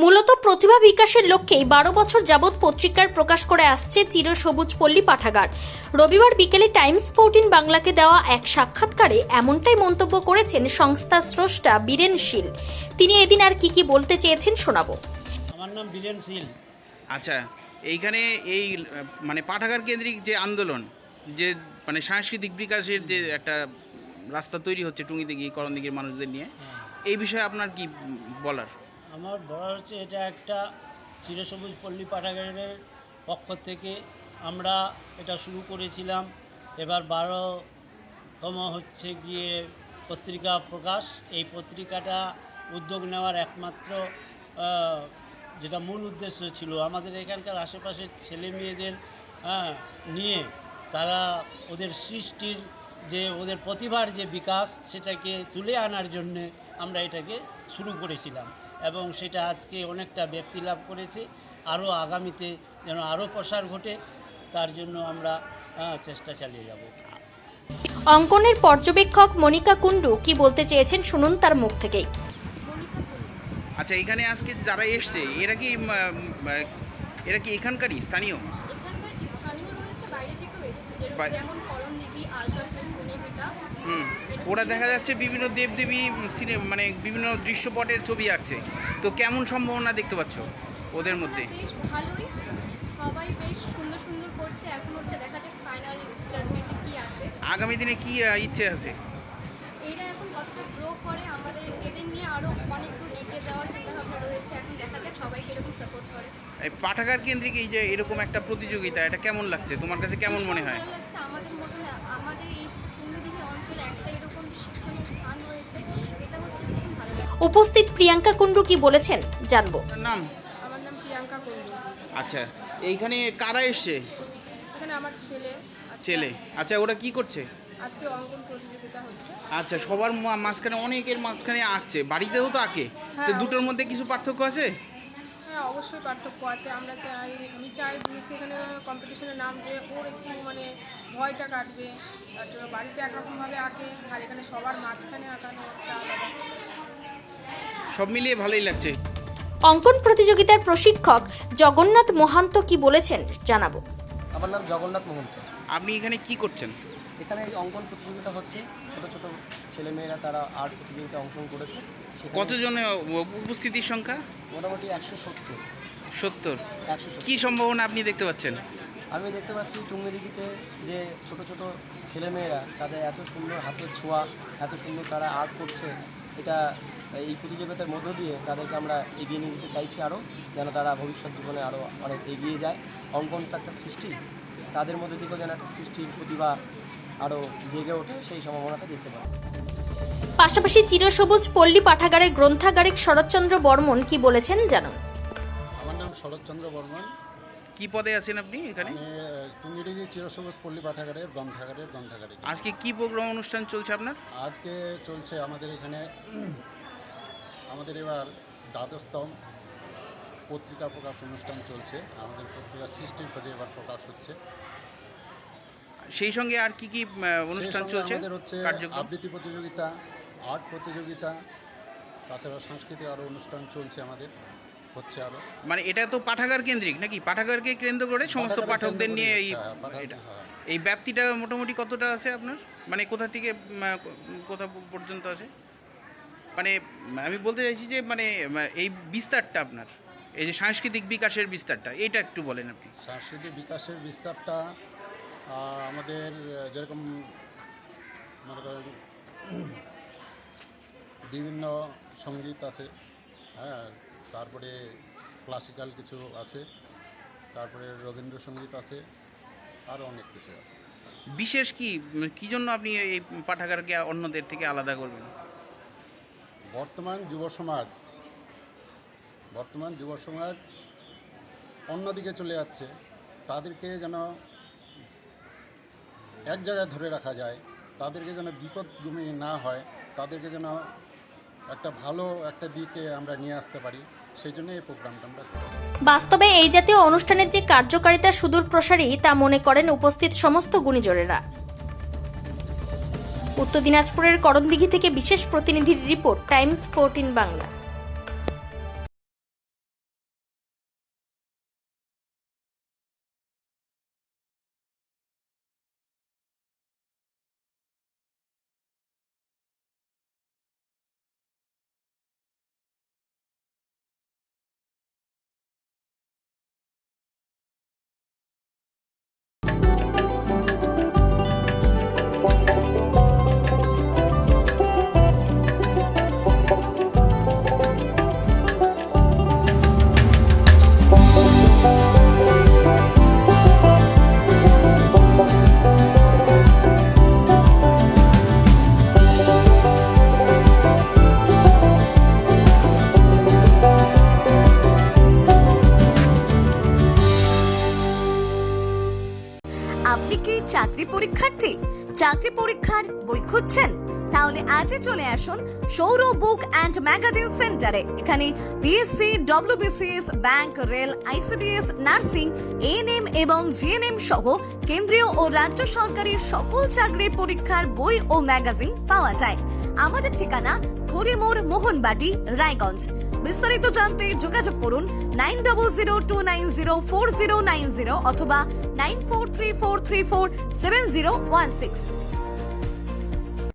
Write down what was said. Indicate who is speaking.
Speaker 1: মূলত প্রতিভা বিকাশের লক্ষ্যেই 12 বছর যাবৎ পত্রিকার প্রকাশ করে আসছে চিরসবুজ পল্লী পাঠাগার। রবিবার বিকেলে টাইমস 14 বাংলাকে দেওয়া এক সাক্ষাৎকারে এমনটাই মন্তব্য করেছেন সংস্থার স্রষ্টা বীরেন শীল। তিনি এদিন আর কি বলতে চেয়েছেন শোনাবো।
Speaker 2: আমার নাম বীরেন শীল।
Speaker 3: আচ্ছা, এইখানে এই মানে পাঠাগার কেন্দ্রিক যে আন্দোলন, যে মানে সাংস্কৃতিক বিকাশের যে একটা রাস্তা তৈরি হচ্ছে টুঙ্গিতে গিয়ে করণদিঘির মানুষদের নিয়ে, এই বিষয়ে আপনার কি বলার?
Speaker 2: আমার বলার হচ্ছে এটা একটা চিরসবুজ পল্লী পাঠাগারের পক্ষ থেকে আমরা এটা শুরু করেছিলাম। এবার 12তম হচ্ছে গিয়ে পত্রিকা প্রকাশ। এই পত্রিকাটা উদ্যোগ নেওয়ার একমাত্র যেটা মূল উদ্দেশ্য ছিল আমাদের এখানকার আশেপাশের ছেলে মেয়েদের নিয়ে তারা ওদের সৃষ্টির যে ওদের প্রতিভার যে বিকাশ সেটাকে তুলে আনার জন্যে আমরা এটাকে শুরু করেছিলাম এবং সেটা আজকে অনেকটা ব্যাপ্তি লাভ করেছে। আরও আগামীতে যেন আরও প্রসার ঘটে তার জন্য আমরা চেষ্টা চালিয়ে যাব।
Speaker 1: অঙ্কনের পর্যবেক্ষক মনিকা কুণ্ডু কি বলতে চেয়েছেন শুনুন তার মুখ থেকেই।
Speaker 3: আচ্ছা, এখানে আজকে যারা এসছে এরা কি এখানকারই স্থানীয়? ওরা দেখা যাচ্ছে বিভিন্ন দেবদেবী মানে বিভিন্ন দৃশ্যপটের ছবি আঁকছে, তো কেমন সম্ভাবনা দেখতে পাচ্ছ ওদের মধ্যে?
Speaker 4: ভালোই, সবাই বেশ সুন্দর সুন্দর করছে। এখন হচ্ছে দেখা যাক ফাইনাল জাজমেন্টে কি আসে।
Speaker 3: আগামী দিনে কি ইচ্ছে আছে?
Speaker 4: এরা এখন কতটা গ্রো করে, আমাদের এদের নিয়ে আরো অনেক দূর এগিয়ে যাওয়ার চিন্তাভাবনা রয়েছে। এখন দেখা যাক সবাই কিরকম সাপোর্ট করে।
Speaker 3: এই পাঠাগার কেন্দ্রিক এই যে এরকম একটা প্রতিযোগিতা, এটা কেমন লাগছে তোমার কাছে? কেমন মনে হয়?
Speaker 4: ভালো লাগছে। আমাদের মতন আমাদের এই টুঙ্গিদিঘি অঞ্চলে একটা এরকম শিক্ষণীয় স্থান রয়েছে, এটা হচ্ছে ভীষণ ভালো লাগে।
Speaker 1: উপস্থিত প্রিয়াঙ্কা কুণ্ডু কি বলেছেন জানবো।
Speaker 3: নাম?
Speaker 4: আমার নাম প্রিয়াঙ্কা কুণ্ডু।
Speaker 3: আচ্ছা, এইখানে কারা এসছে?
Speaker 4: এখানে আমার
Speaker 3: ছেলে। আচ্ছা, ওরা কি করছে?
Speaker 4: আজকে অঙ্কন প্রতিযোগিতা হচ্ছে।
Speaker 3: আচ্ছা, সবার মাঝখানে অনেকের মাঝখানে আঁকছে, বাড়িতেও তো আঁকে, তো দুটোর মধ্যে কিছু পার্থক্য আছে?
Speaker 5: হ্যাঁ, অবশ্যই পার্থক্য আছে। আমি চাই দিয়েছি এখানে কম্পিটিশনের নাম যে ওর একটু মানে ভয়টা কাটবে, তার জন্য বাড়িতে একরকমভাবে আঁকে আর এখানে সবার মাঝখানে আঁকানো একটা আলাদা।
Speaker 3: সব মিলিয়ে ভালোই লাগছে।
Speaker 1: অঙ্কন প্রতিযোগিতার প্রশিক্ষক জগন্নাথ মহান্ত কি বলেছেন জানাবো।
Speaker 6: আমার নাম জগন্নাথ মহন্ত।
Speaker 3: আপনি এখানে কি করছেন?
Speaker 6: এখানে অঙ্কন প্রতিযোগিতা হচ্ছে, ছোট ছোট ছেলেমেয়েরা তারা আর্ট প্রতিযোগিতায় অংশগ্রহণ করেছে।
Speaker 3: কতজন উপস্থিতির সংখ্যা?
Speaker 6: মোটামুটি 170।
Speaker 3: 70।
Speaker 6: 170।
Speaker 3: কি সম্ভাবনা আপনি দেখতে পাচ্ছেন?
Speaker 6: আমি দেখতে পাচ্ছি টুঙ্গিদিঘিতে যে ছোট ছোট ছেলেমেয়েরা তাদের এত সুন্দর হাতের ছোঁয়া, এত সুন্দর তারা আর্ট করছে, এটা এই প্রতিযোগিতার মধ্য দিয়ে তাদেরকে আমরা এগিয়ে নিয়ে যেতে চাইছি আরও, যেন তারা ভবিষ্যৎ জীবনে আরও অনেক এগিয়ে যায়। অঙ্কনটা একটা সৃষ্টি, তাদের মধ্যে থেকেও যেন একটা সৃষ্টির প্রতিভা আরও জেগে ওঠে, সেই সম্ভাবনাটা দেখতে পাই।
Speaker 1: পাশাপাশি চিরসবুজ পল্লী পাঠাগারের গ্রন্থাগারিক শরৎচন্দ্র বর্মন কি বলেছেন জানুন।
Speaker 7: আমার নাম শরৎচন্দ্র বর্মন।
Speaker 3: কি পদে আছেন আপনি এখানে?
Speaker 7: আমি টুঙ্গিডিঘি চিরসবুজ পল্লী পাঠাগারের গ্রন্থাগারিক।
Speaker 3: আজকে কি প্রোগ্রাম অনুষ্ঠান চলছে আপনার?
Speaker 7: আজকে চলছে আমাদের এখানে আমাদের এবার দ্বাদশতম পত্রিকা প্রকাশ অনুষ্ঠান চলছে। আমাদের পত্রিকা সৃষ্টির খোঁজে এবার প্রকাশ হচ্ছে।
Speaker 3: সেই সঙ্গে আর কি অনুষ্ঠান চলছে?
Speaker 7: আমাদের হচ্ছে আবৃত্তি প্রতিযোগিতা, আর্ট প্রতিযোগিতা, তাছাড়া সাংস্কৃতিক আরও অনুষ্ঠান চলছে আমাদের, হচ্ছে আরও।
Speaker 3: মানে এটা তো পাঠাগার কেন্দ্রিক নাকি? পাঠাগারকে কেন্দ্র করে সমস্ত পাঠকদের নিয়ে এই ব্যাপ্তিটা মোটামুটি কতটা আছে আপনার? মানে কোথা থেকে কোথা পর্যন্ত আছে? মানে আমি বলতে চাইছি যে মানে এই বিস্তারটা আপনার, এই যে সাংস্কৃতিক বিকাশের বিস্তারটা, এটা একটু বলেন আপনি।
Speaker 7: সাংস্কৃতিক বিকাশের বিস্তারটা আমাদের যেরকম মনে করেন বিভিন্ন সঙ্গীত আছে, হ্যাঁ, তারপরে ক্লাসিক্যাল কিছু আছে, তারপরে রবীন্দ্রসঙ্গীত আছে, আরও অনেক কিছু আছে।
Speaker 3: বিশেষ কী জন্য আপনি এই পাঠাগারকে অন্যদের থেকে আলাদা করবেন?
Speaker 7: বর্তমান যুব সমাজ অন্যদিকে চলে যাচ্ছে, তাদেরকে যেন এক জায়গায় ধরে রাখা যায়, তাদেরকে যেন বিপদগামী না হয়, তাদেরকে যেন একটা ভালো একটা দিকে আমরা নিয়ে আসতে পারি, সেই জন্য এই প্রোগ্রামটা আমরা করছি।
Speaker 1: বাস্তবে এই জাতীয় অনুষ্ঠানের যে কার্যকারিতা সুদূর প্রসারী তা মনে করেন উপস্থিত সমস্ত গুণীজনেরা। উত্তর দিনাজপুরের করণদিঘি থেকে বিশেষ প্রতিনিধির রিপোর্ট, টাইমস 14 বাংলা।
Speaker 8: চাকরি পরীক্ষার্থী? চাকরি পরীক্ষার বই খুঁজছেন? তাহলে আজই চলে আসুন সৌর বুক অ্যান্ড ম্যাগাজিন সেন্টারে। এখানে BSc, WBCS, bank, rail, ICDS, nursing, ANM এবং জিএনএম সহ কেন্দ্রীয় ও রাজ্য সরকারি সকল চাকরির পরীক্ষার বই ও ম্যাগাজিন পাওয়া যায়। আমাদের ঠিকানা খড়িমোড়, মোহনবাটি, রায়গঞ্জ। বিস্তারিত জানতে যোগাযোগ করুন 9002904090 অথবা 9434347016।